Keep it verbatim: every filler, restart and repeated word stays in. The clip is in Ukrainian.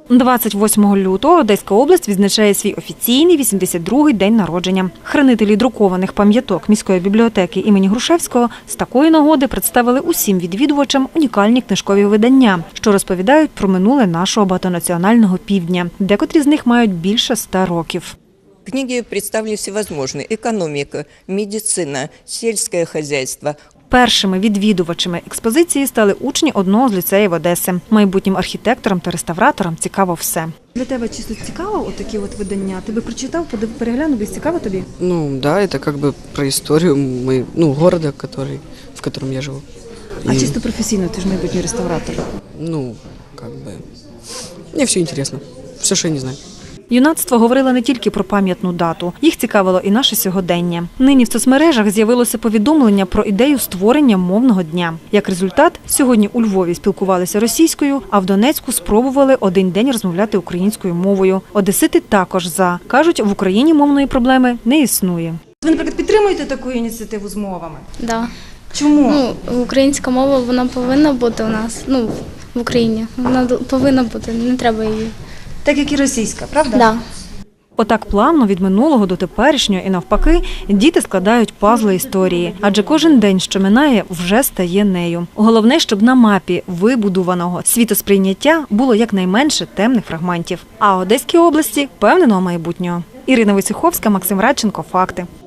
двадцять восьмого лютого Одеська область відзначає свій офіційний вісімдесят другий день народження. Хранителі друкованих пам'яток міської бібліотеки імені Грушевського з такої нагоди представили усім відвідувачам унікальні книжкові видання, що розповідають про минуле нашого багатонаціонального півдня. Декотрі з них мають більше ста років. Книги представили всевозможные: экономика, медицина, сельское хозяйство. Першими відвідувачами експозиції стали учні одного з ліцеїв Одеси. Майбутнім архітекторам та реставраторам цікаво все. Для тебе чисто цікаво отакі от видання? Ти би прочитав, переглянув, би цікаво тобі? Ну да, это как бы про историю мы, ну, города, который, в котором я живу. А И, чисто професійно, ти ж майбутній реставратор. ну, как бы, мне все интересно, все, что я не знаю. Юнацтво говорило не тільки про пам'ятну дату. Їх цікавило і наше сьогодення. Нині в соцмережах з'явилося повідомлення про ідею створення мовного дня. Як результат, сьогодні у Львові спілкувалися російською, а в Донецьку спробували один день розмовляти українською мовою. Одесити також за. Кажуть, в Україні мовної проблеми не існує. Ви, наприклад, підтримуєте таку ініціативу з мовами? Да. Чому? Ну, українська мова, вона повинна бути у нас, ну, в Україні. Вона повинна бути, не треба її. Так, як і російська, правда? Да. Отак плавно від минулого до теперішнього і навпаки діти складають пазли історії. Адже кожен день, що минає, вже стає нею. Головне, щоб на мапі вибудуваного світосприйняття було якнайменше темних фрагментів. А Одеській області – впевненого майбутнього. Ірина Войцеховська, Максим Радченко. Факти.